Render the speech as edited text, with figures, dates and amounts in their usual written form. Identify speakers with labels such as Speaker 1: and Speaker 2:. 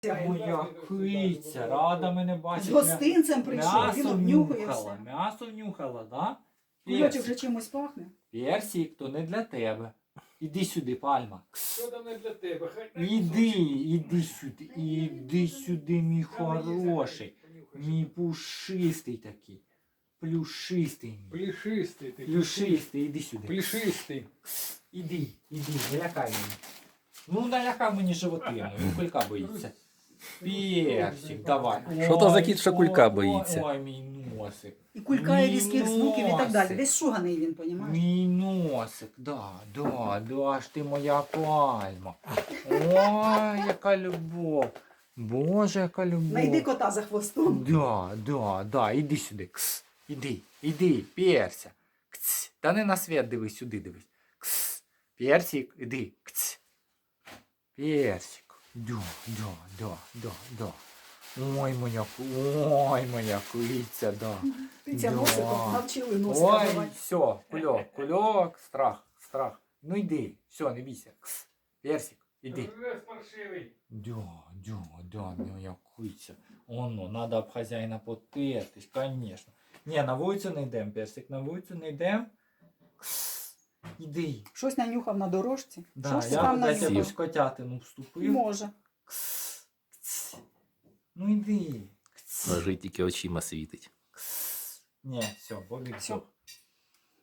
Speaker 1: Моя киця, рада мене
Speaker 2: З
Speaker 1: бачити.
Speaker 2: гостинцем прийшов, він обнюхує все.
Speaker 1: М'ясо внюхала, да?
Speaker 2: Кульочок вже чимось пахне.
Speaker 1: Персик, то не для тебе. Іди сюди, пальма.
Speaker 3: Що там не для тебе? Хай
Speaker 1: Іди сюди, мій хороший. Мій пушистий такий. Плюшистий мій.
Speaker 3: Плішистий ти.
Speaker 1: Плюшистий, іди сюди.
Speaker 3: Плішистий.
Speaker 1: Іди, налякай мене. Ну, налякав мені животину, кулька боїться. Персик, давай.
Speaker 4: Що то за кіт, що кулька боїться?
Speaker 1: Ой, мій носик.
Speaker 2: І кулькає
Speaker 1: Мій
Speaker 2: різких звуків і так далі.
Speaker 1: носик.
Speaker 2: Десь шуганий він, понімаєш?
Speaker 1: Мій носик, да ж ти моя пальма. Ой, яка любов. Боже, яка любов.
Speaker 2: Найди кота за хвостом.
Speaker 1: Да, іди сюди. Кс. Іди, Перся. Кс. Та не на світ дивись, сюди дивись. Кс. Персик, іди. Кс. Персик. Да. Ой, моя киця, да.
Speaker 2: Птиця
Speaker 1: Да.
Speaker 2: носиком навчили носика
Speaker 1: Ой,
Speaker 2: давати.
Speaker 1: все, кульок, страх. Ну йди, все, не бійся. Кс. Персик, іди.
Speaker 3: Рез паршивий.
Speaker 1: Да, моя киця. Оно, надо об хазяїна потертись, конечно. Ні, на вулицю не йдем, Персик, на вулицю не йдем. Кс. Іди.
Speaker 2: Щось нанюхав на дорожці.
Speaker 1: Да,
Speaker 2: Щось ти
Speaker 1: я
Speaker 2: там
Speaker 1: десь
Speaker 2: нанюхав.
Speaker 1: якусь котятину вступив.
Speaker 2: Може.
Speaker 1: Кс. Ну йди. Кс.
Speaker 4: Лежить тільки очима світить.
Speaker 1: Кс. Ні, все, Бобік
Speaker 2: Всьо.
Speaker 1: здох.